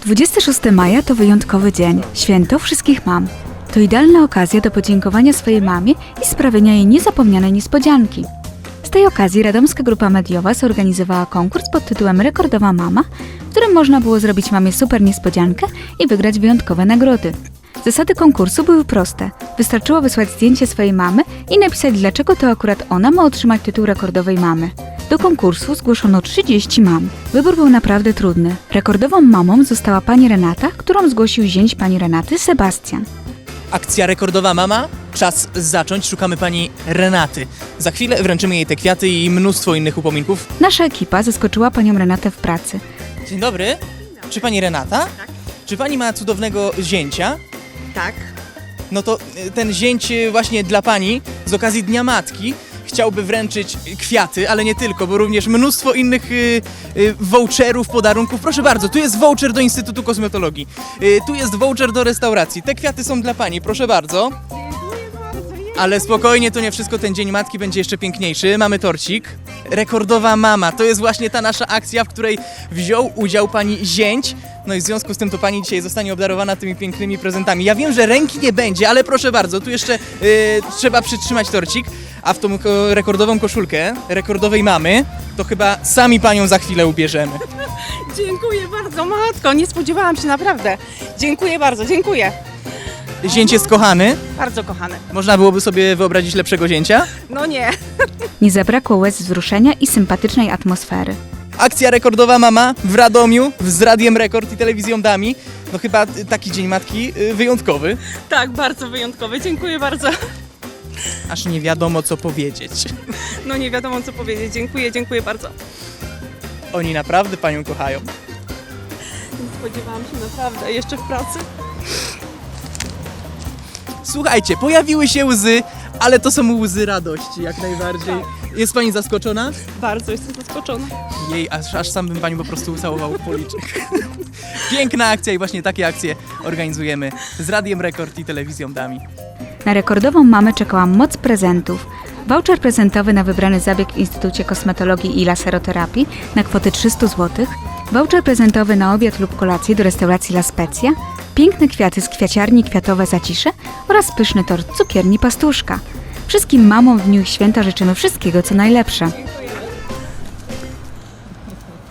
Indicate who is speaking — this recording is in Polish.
Speaker 1: 26 maja to wyjątkowy dzień, święto wszystkich mam. To idealna okazja do podziękowania swojej mamie i sprawienia jej niezapomnianej niespodzianki. Z tej okazji radomska grupa mediowa zorganizowała konkurs pod tytułem Rekordowa Mama, w którym można było zrobić mamie super niespodziankę i wygrać wyjątkowe nagrody. Zasady konkursu były proste. Wystarczyło wysłać zdjęcie swojej mamy i napisać, dlaczego to akurat ona ma otrzymać tytuł rekordowej mamy. Do konkursu zgłoszono 30 mam. Wybór był naprawdę trudny. Rekordową mamą została pani Renata, którą zgłosił zięć pani Renaty, Sebastian.
Speaker 2: Akcja Rekordowa Mama. Czas zacząć. Szukamy pani Renaty. Za chwilę wręczymy jej te kwiaty i mnóstwo innych upominków.
Speaker 1: Nasza ekipa zaskoczyła panią Renatę w pracy.
Speaker 2: Dzień dobry. Czy pani Renata?
Speaker 3: Tak.
Speaker 2: Czy pani ma cudownego zięcia?
Speaker 3: Tak.
Speaker 2: No to ten zięć właśnie dla pani z okazji Dnia Matki chciałby wręczyć kwiaty, ale nie tylko, bo również mnóstwo innych voucherów, podarunków. Proszę bardzo, tu jest voucher do Instytutu Kosmetologii. Tu jest voucher do restauracji. Te kwiaty są dla pani, proszę bardzo. Ale spokojnie, to nie wszystko, ten Dzień Matki będzie jeszcze piękniejszy. Mamy torcik. Rekordowa Mama, to jest właśnie ta nasza akcja, w której wziął udział pani zięć. No i w związku z tym to pani dzisiaj zostanie obdarowana tymi pięknymi prezentami. Ja wiem, że ręki nie będzie, ale proszę bardzo, tu jeszcze trzeba przytrzymać torcik. A w tą rekordową koszulkę rekordowej mamy, to chyba sami panią za chwilę ubierzemy.
Speaker 3: Dziękuję bardzo, matko. Nie spodziewałam się naprawdę. Dziękuję bardzo, dziękuję.
Speaker 2: Zięć jest kochany.
Speaker 3: Bardzo kochany.
Speaker 2: Można byłoby sobie wyobrazić lepszego zięcia.
Speaker 3: No nie.
Speaker 1: Nie zabrakło łez wzruszenia i sympatycznej atmosfery.
Speaker 2: Akcja Rekordowa Mama w Radomiu z Radiem Rekord i Telewizją Dami. No chyba taki Dzień Matki wyjątkowy.
Speaker 3: Tak, bardzo wyjątkowy. Dziękuję bardzo.
Speaker 2: Aż nie wiadomo co powiedzieć.
Speaker 3: No nie wiadomo co powiedzieć. Dziękuję bardzo.
Speaker 2: Oni naprawdę panią kochają.
Speaker 3: Nie spodziewałam się naprawdę. Jeszcze w pracy.
Speaker 2: Słuchajcie, pojawiły się łzy, ale to są łzy radości jak najbardziej. Jest pani zaskoczona?
Speaker 3: Bardzo jestem zaskoczona.
Speaker 2: Jej, aż sam bym panią po prostu ucałował w policzek. Piękna akcja i właśnie takie akcje organizujemy z Radiem Rekord i Telewizją Dami.
Speaker 1: Na rekordową mamę czekała moc prezentów. Voucher prezentowy na wybrany zabieg w Instytucie Kosmetologii i Laseroterapii na kwotę 300 zł, voucher prezentowy na obiad lub kolację do restauracji La Spezia, piękne kwiaty z kwiaciarni Kwiatowe Zacisze oraz pyszny tort cukierni Pastuszka. Wszystkim mamom w dniu ich święta życzymy wszystkiego co najlepsze.